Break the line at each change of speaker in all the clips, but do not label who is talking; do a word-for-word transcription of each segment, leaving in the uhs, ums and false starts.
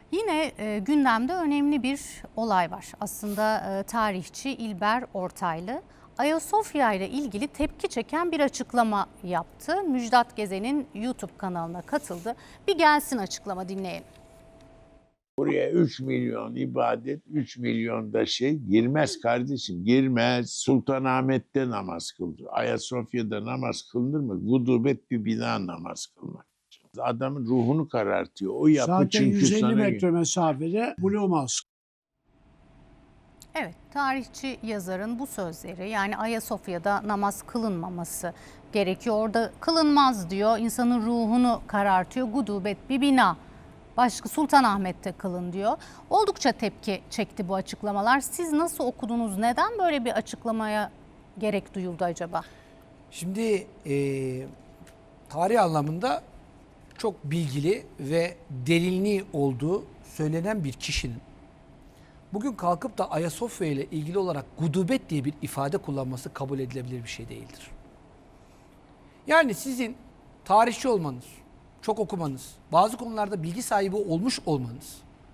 Yine e, gündemde önemli bir olay var. Aslında e, tarihçi İlber Ortaylı Ayasofya ile ilgili tepki çeken bir açıklama yaptı. Müjdat Gezen'in YouTube kanalına katıldı. Bir gelsin açıklama, dinleyelim.
Buraya üç milyon ibadet, üç milyon da şey girmez kardeşim. Girmez. Sultanahmet'te namaz kıldı. Ayasofya'da namaz kılınır mı? Gudubet bir bina namaz kılmak. Adamın ruhunu karartıyor. O yapı
Zaten
çünkü
yüz elli
sana...
metre mesafede Blue Mosque.
Evet, tarihçi yazarın bu sözleri, yani Ayasofya'da namaz kılınmaması gerekiyor. Orada kılınmaz diyor, insanın ruhunu karartıyor. Gudubet bir bina. Başka Sultanahmet'te kılın diyor. Oldukça tepki çekti bu açıklamalar. Siz nasıl okudunuz? Neden böyle bir açıklamaya gerek duyuldu acaba?
Şimdi e, tarih anlamında çok bilgili ve derinliği olduğu söylenen bir kişinin bugün kalkıp da Ayasofya ile ilgili olarak gudubet diye bir ifade kullanması kabul edilebilir bir şey değildir. Yani sizin tarihçi olmanız, çok okumanız, bazı konularda bilgi sahibi olmuş olmanız,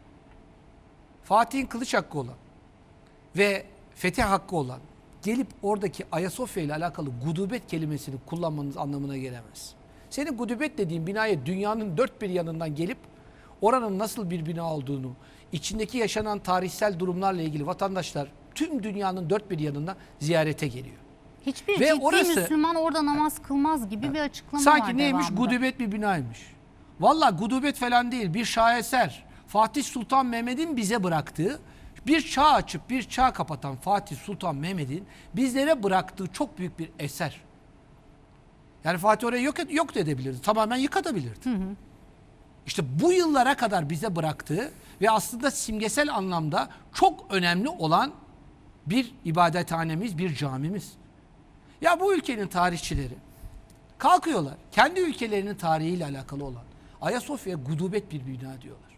Fatih'in kılıç hakkı olan ve fetih hakkı olan gelip oradaki Ayasofya ile alakalı gudubet kelimesini kullanmanız anlamına gelemez. Senin gudubet dediğin binaya dünyanın dört bir yanından gelip oranın nasıl bir bina olduğunu, içindeki yaşanan tarihsel durumlarla ilgili vatandaşlar tüm dünyanın dört bir yanından ziyarete geliyor.
Hiçbir
Ve
ciddi
orası,
Müslüman orada namaz kılmaz gibi bir açıklama
sanki
var
neymiş?
devamında.
Gudubet bir binaymış. Vallahi gudubet falan değil, bir şaheser. Fatih Sultan Mehmet'in bize bıraktığı, bir çağ açıp bir çağ kapatan Fatih Sultan Mehmet'in bizlere bıraktığı çok büyük bir eser. Yani Fatih orayı yok, yok da edebilirdi. Tamamen yıkatabilirdi. Hı hı. İşte bu yıllara kadar bize bıraktığı ve aslında simgesel anlamda çok önemli olan bir ibadethanemiz, bir camimiz. Ya bu ülkenin tarihçileri kalkıyorlar, kendi ülkelerinin tarihiyle alakalı olan Ayasofya'ya gudubet bir bina diyorlar.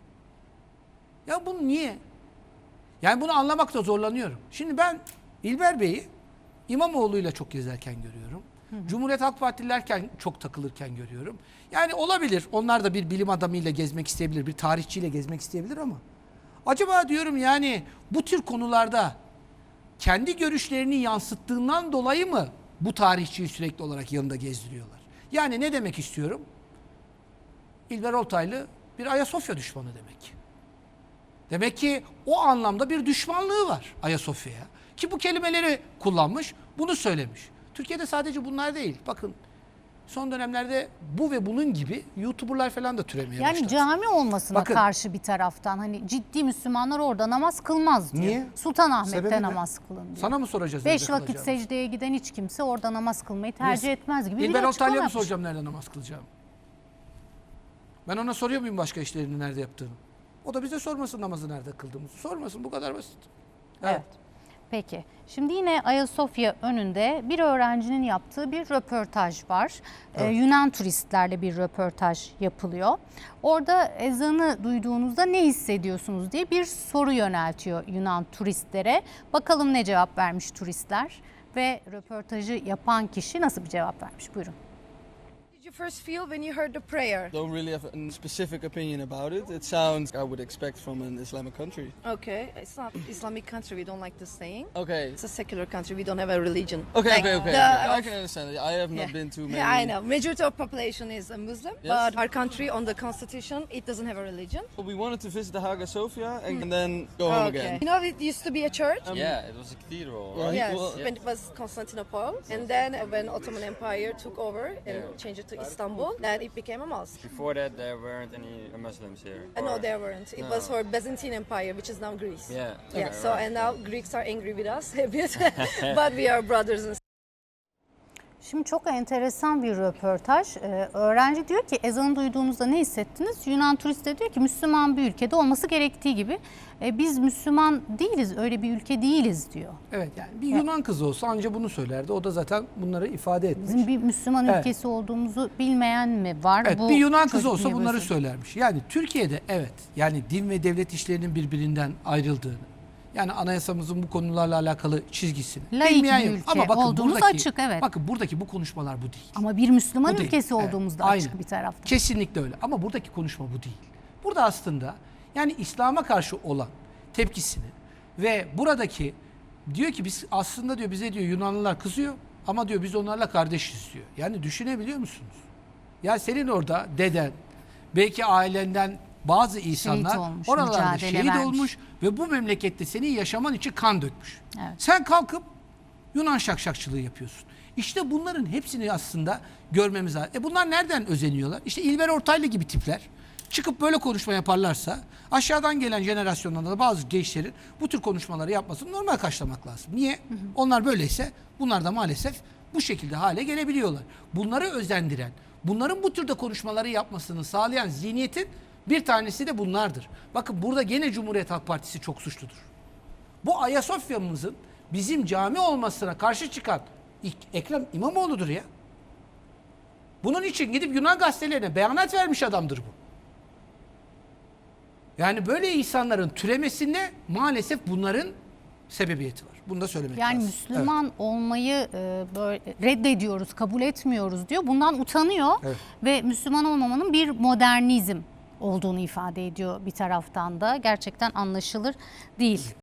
Ya bunu niye? Yani bunu anlamakta zorlanıyorum. Şimdi ben İlber Bey'i İmamoğlu'yla çok gezerken görüyorum. Hı hı. Cumhuriyet Halk Partililerken çok takılırken görüyorum. Yani olabilir, onlar da bir bilim adamıyla gezmek isteyebilir, bir tarihçiyle gezmek isteyebilir ama acaba diyorum yani bu tür konularda kendi görüşlerini yansıttığından dolayı mı bu tarihçiyi sürekli olarak yanında gezdiriyorlar? Yani ne demek istiyorum? İlber Ortaylı bir Ayasofya düşmanı demek. Demek ki o anlamda bir düşmanlığı var Ayasofya'ya. Ki bu kelimeleri kullanmış, bunu söylemiş. Türkiye'de sadece bunlar değil. Bakın son dönemlerde bu ve bunun gibi YouTuber'lar falan da türemeye
yani
başladı.
Yani cami olmasına
Bakın,
karşı bir taraftan hani ciddi Müslümanlar orada namaz kılmaz diyor.
Niye?
Sultanahmet'te
Sebebi ne?
namaz kılın diyor.
Sana mı soracağız?
Beş
nerede
vakit
kalacağımızı?
secdeye giden hiç kimse orada namaz kılmayı tercih
Niye?
etmez gibi bir
İlber
açıklama
Ortaylı'ya mı
yapmış.
soracağım nerede namaz kılacağım? Ben ona soruyor muyum başka işlerini nerede yaptığını? O da bize sormasın namazı nerede kıldığımızı. Sormasın, bu kadar basit.
Evet.
Evet.
Peki. Şimdi yine Ayasofya önünde bir öğrencinin yaptığı bir röportaj var. Ee,
Evet.
Yunan turistlerle bir röportaj yapılıyor. Orada ezanı duyduğunuzda ne hissediyorsunuz diye bir soru yöneltiyor Yunan turistlere. Bakalım ne cevap vermiş turistler ve röportajı yapan kişi nasıl bir cevap vermiş? Buyurun.
Did you first feel when you heard the prayer?
Don't really have a specific opinion about it. It sounds I would expect from an Islamic country.
Okay, it's not Islamic country. We don't like the saying.
Okay.
It's a secular country. We don't have a religion.
Okay,
Like
okay, okay.
the-
okay. I can understand it. I have not
Yeah.
been to many.
Yeah, I know. Majority of population is a Muslim,
Yes.
but our country on the constitution it doesn't have a religion.
Well, we wanted to visit the Hagia Sophia and, and then go home
Okay.
again.
You know, it used to be a church.
Um,
Yeah, it was a cathedral,
Well,
right?
Yes,
well,
when it was Constantinople, and then when Ottoman Empire took over and changed it to Istanbul, then it became a mosque.
Before that, there weren't any Muslims here.
Uh, no,
Or-
there weren't. It
No.
was for Byzantine Empire, which is now Greece.
Yeah.
Yeah.
Okay,
So
right.
and now Greeks are angry with us a bit, but we are brothers and
Şimdi çok enteresan bir röportaj. Ee, öğrenci diyor ki ezanı duyduğunuzda ne hissettiniz? Yunan turist de diyor ki Müslüman bir ülkede olması gerektiği gibi e, biz Müslüman değiliz, öyle bir ülke değiliz diyor.
Evet, yani bir Yunan kızı olsa anca bunu söylerdi. O da zaten bunları ifade etmiş.
Bizim bir Müslüman
Evet.
ülkesi olduğumuzu bilmeyen mi var?
Evet,
Bu
bir Yunan kızı
çocuk
olsa
niye
bunları
böyle
söylermiş. Yani Türkiye'de evet, yani din ve devlet işlerinin birbirinden ayrıldığını, yani anayasamızın bu konularla alakalı çizgisini
Laik
bilmeyen
bir
yok.
ülke
Ama bakın
olduğumuz
buradaki,
açık, evet.
Bakın buradaki bu konuşmalar bu değil.
Ama bir Müslüman
Bu değil.
ülkesi
Evet,
olduğumuzda
aynen.
açık bir tarafta.
Kesinlikle öyle. Ama buradaki konuşma bu değil. Burada aslında Yani İslam'a karşı olan tepkisini ve buradaki diyor ki biz aslında diyor bize diyor Yunanlılar kızıyor ama diyor biz onlarla kardeşiz diyor. Yani düşünebiliyor musunuz? Ya senin orada deden, belki ailenden bazı insanlar
olmuş,
oralarda
mücadele
şehit
vermiş.
olmuş ve bu memlekette senin yaşaman için kan dökmüş.
Evet.
Sen kalkıp Yunan şakşakçılığı yapıyorsun. İşte bunların hepsini aslında görmemiz lazım. E bunlar nereden özeniyorlar? İşte İlber Ortaylı gibi tipler çıkıp böyle konuşma yaparlarsa aşağıdan gelen jenerasyonlarda da bazı gençlerin bu tür konuşmaları yapmasını normal karşılamak lazım. Niye? Hı hı. Onlar böyleyse bunlar da maalesef bu şekilde hale gelebiliyorlar. Bunları özendiren, bunların bu türde konuşmaları yapmasını sağlayan zihniyetin bir tanesi de bunlardır. Bakın burada gene Cumhuriyet Halk Partisi çok suçludur. Bu Ayasofya'mızın bizim cami olmasına karşı çıkan Ekrem İmamoğlu'dur ya. Bunun için gidip Yunan gazetelerine beyanat vermiş adamdır bu. Yani böyle insanların türemesinde maalesef bunların sebebiyeti var. Bunu da söylemek
Yani
lazım.
Müslüman
Evet.
olmayı e, böyle reddediyoruz, kabul etmiyoruz diyor. Bundan utanıyor
Evet.
ve Müslüman olmamanın bir modernizm olduğunu ifade ediyor bir taraftan da. Gerçekten anlaşılır değil.